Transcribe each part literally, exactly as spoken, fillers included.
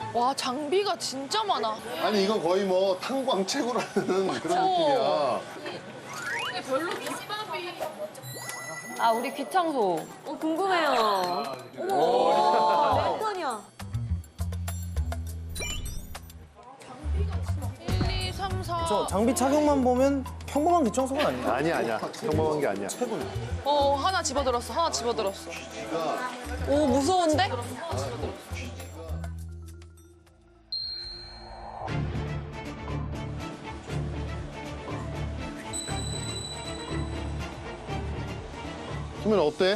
와, 장비가 진짜 많아. 아니 이건 거의 뭐 탕광채구라는 그런 느낌이야. 근데 별로 김밥이. 아, 우리 귀청소. 어, 궁금해요. 어머, 몇 톤이야? 일, 이, 삼, 사. 저 장비 착용만 보면 평범한 귀청소가 아니야. 아니야 아니야. 평범한 게 아니야. 최고야. 어, 하나 집어들었어. 하나 집어들었어. 오, 무서운데? 수민 어때?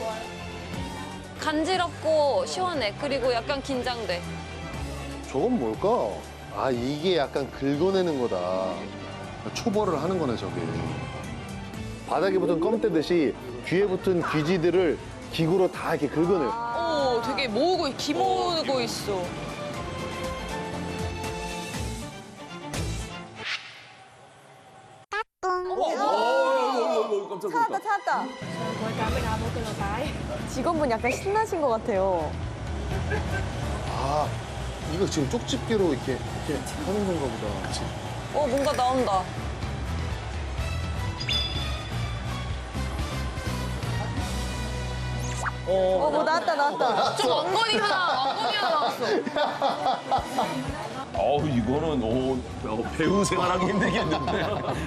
간지럽고 시원해. 그리고 약간 긴장돼. 저건 뭘까? 아 이게 약간 긁어내는 거다. 초벌을 하는 거네 저게. 바닥에 붙은 껌대듯이 귀에 붙은 귀지들을 기구로 다 이렇게 긁어내. 오, 되게 모으고, 기모으고 있어. 찾았다, 찾았다. 직원분 약간 신나신 것 같아요. 아 이거 지금 쪽집게로 이렇게 이렇게 하는 건가 보다. 그치? 어, 뭔가 나온다. 어, 뭐 나왔다, 나왔다. 좀 왕건이 하나, 왕건이 하나 나왔어. 어우, 이거는 오, 어, 배우 생활하기 힘들겠는데.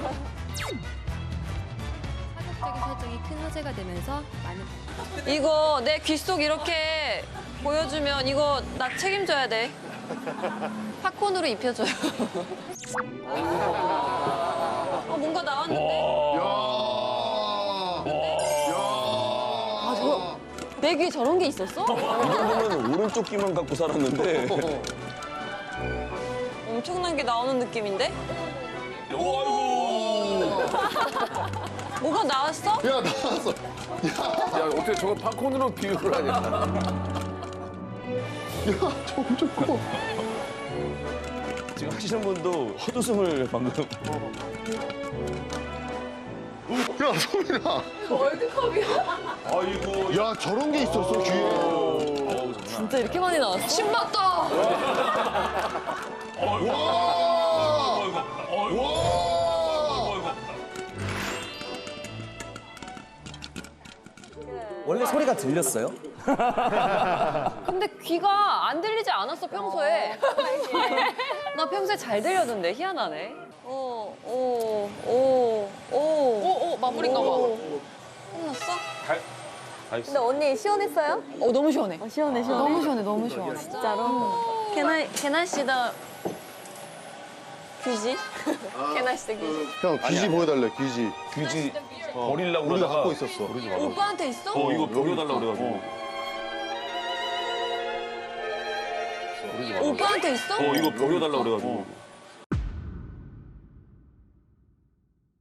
파격적인 설정이 큰 화제가 되면서 많은 이거 내 귀 속 이렇게 보여주면 이거 나 책임져야 돼. 팝콘으로 입혀줘요. 어, 뭔가 나왔는데? 야. 아, 저, 내 귀에 저런 게 있었어? 이 정도면 오른쪽 귀만 갖고 살았는데. 엄청난 게 나오는 느낌인데? 아이고. 뭐가 나왔어? 야 나왔어. 야, 어떻게 저걸 팝콘으로 비유를 하냐. 야 점점 커. 지금 하시는 분도 헛웃음을 방금. 야 소민아. 아이고. 야 저런 게 있었어 귀에. 어우, 장난. 진짜 이렇게 많이 나왔어? 신봤다. 와. 어이구. 어이구. 와. 원래 소리가 들렸어요? 근데 귀가 안 들리지 않았어, 평소에. 나 평소에 잘 들렸는데, 희한하네. 오, 오, 오, 오. 오, 오, 마무리인가 봐. 끝났어? 다 있어. 근데 언니 시원했어요? 어, 너무 시원해. 어, 시원해, 시원해. 너무 시원해, 너무 시원해. 진짜로? 개나, 개나 씨다 귀지? 개나 씨다 귀지. 형 귀지 보여달래 귀지. 귀지 버리려고 우리가 그러다가 갖고 있었어. 버리지 말라고. 오빠한테 있어? 어, 이거 버려달라고 그래가지고. 오빠한테 있어? 어, 이거 버려달라고 그래가지고.